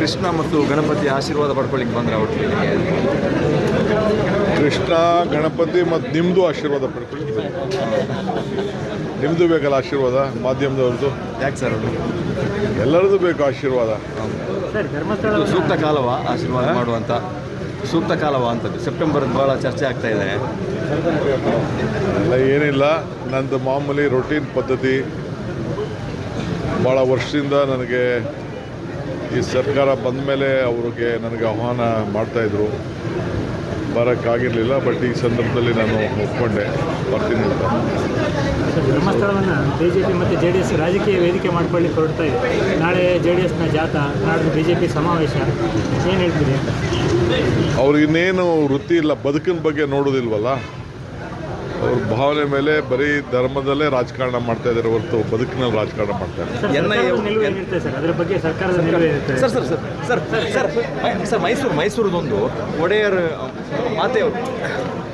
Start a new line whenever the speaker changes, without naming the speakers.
ಕೃಷ್ಣ ಮತ್ತು ಗಣಪತಿ ಆಶೀರ್ವಾದ ಪಡ್ಕೊಳ್ಳಿಕ್ಕೆ ಬಂದ್ರೆ ಒಟ್ಟಿಗೆ
ಕೃಷ್ಣ ಗಣಪತಿ ಮತ್ತು ನಿಮ್ಮದು ಆಶೀರ್ವಾದ ಪಡ್ಕೊಳ್ಳಿ. ನಿಮ್ಮದು ಬೇಕಲ್ಲ ಆಶೀರ್ವಾದ, ಮಾಧ್ಯಮದವ್ರದ್ದು.
ಯಾಕೆ ಸರ್ ಅದು
ಎಲ್ಲರದ್ದು ಬೇಕು ಆಶೀರ್ವಾದ.
ಇದು ಸೂಕ್ತ ಕಾಲವಾ ಆಶೀರ್ವಾದ ಮಾಡುವಂಥ ಸೂಕ್ತ ಕಾಲವಾ ಅಂತದ್ದು? ಸೆಪ್ಟೆಂಬರ್ ಭಾಳ ಚರ್ಚೆ ಆಗ್ತಾ ಇದೆ.
ಎಲ್ಲ ಏನಿಲ್ಲ, ನಂದು ಮಾಮೂಲಿ ರೊಟೀನ್ ಪದ್ಧತಿ. ಭಾಳ ವರ್ಷದಿಂದ ನನಗೆ ಈ ಸರ್ಕಾರ ಬಂದ ಮೇಲೆ ಅವ್ರಿಗೆ ನನಗೆ ಆಹ್ವಾನ ಮಾಡ್ತಾಯಿದ್ರು, ಬರೋಕ್ಕಾಗಿರಲಿಲ್ಲ. ಬಟ್ ಈ ಸಂದರ್ಭದಲ್ಲಿ ನಾನು ಒಪ್ಕೊಂಡೆ, ಬರ್ತೀನಿ ಅಂತ.
ಧರ್ಮಸ್ಥಳವನ್ನು BJP ಮತ್ತು JDS ರಾಜಕೀಯ ವೇದಿಕೆ ಮಾಡ್ಕೊಳ್ಳಿಕ್ಕೆ ಹೊರಡ್ತಾ ಇದೆ. ನಾಳೆ JDSನ ಜಾಥಾ, ನಾಡ್ದು BJP ಸಮಾವೇಶ, ಏನು ಹೇಳ್ತೀರಿ ಅಂತ?
ಅವ್ರಿಗಿನ್ನೇನು ವೃತ್ತಿ ಇಲ್ಲ, ಬದುಕಿನ ಬಗ್ಗೆ ನೋಡೋದಿಲ್ವಲ್ಲ. ಅವ್ರ ಭಾವನೆ ಮೇಲೆ ಬರೀ ಧರ್ಮದಲ್ಲೇ ರಾಜಕಾರಣ ಮಾಡ್ತಾ ಇದ್ದಾರೆ ಹೊರತು ಬದುಕಿನಲ್ಲಿ ರಾಜಕಾರಣ ಮಾಡ್ತಾ ಇದ್ದಾರೆ.
ನಿಲುವು ಏನಿರುತ್ತೆ ಸರ್ ಅದರ ಬಗ್ಗೆ? ಸರ್ಕಾರದ ನಿಲುವು ಇರುತ್ತೆ
sir sir sir sir sir sir ಮೈಸೂರದೊಂದು ಒಡೆಯರ್ ಮಾತೆಯವರು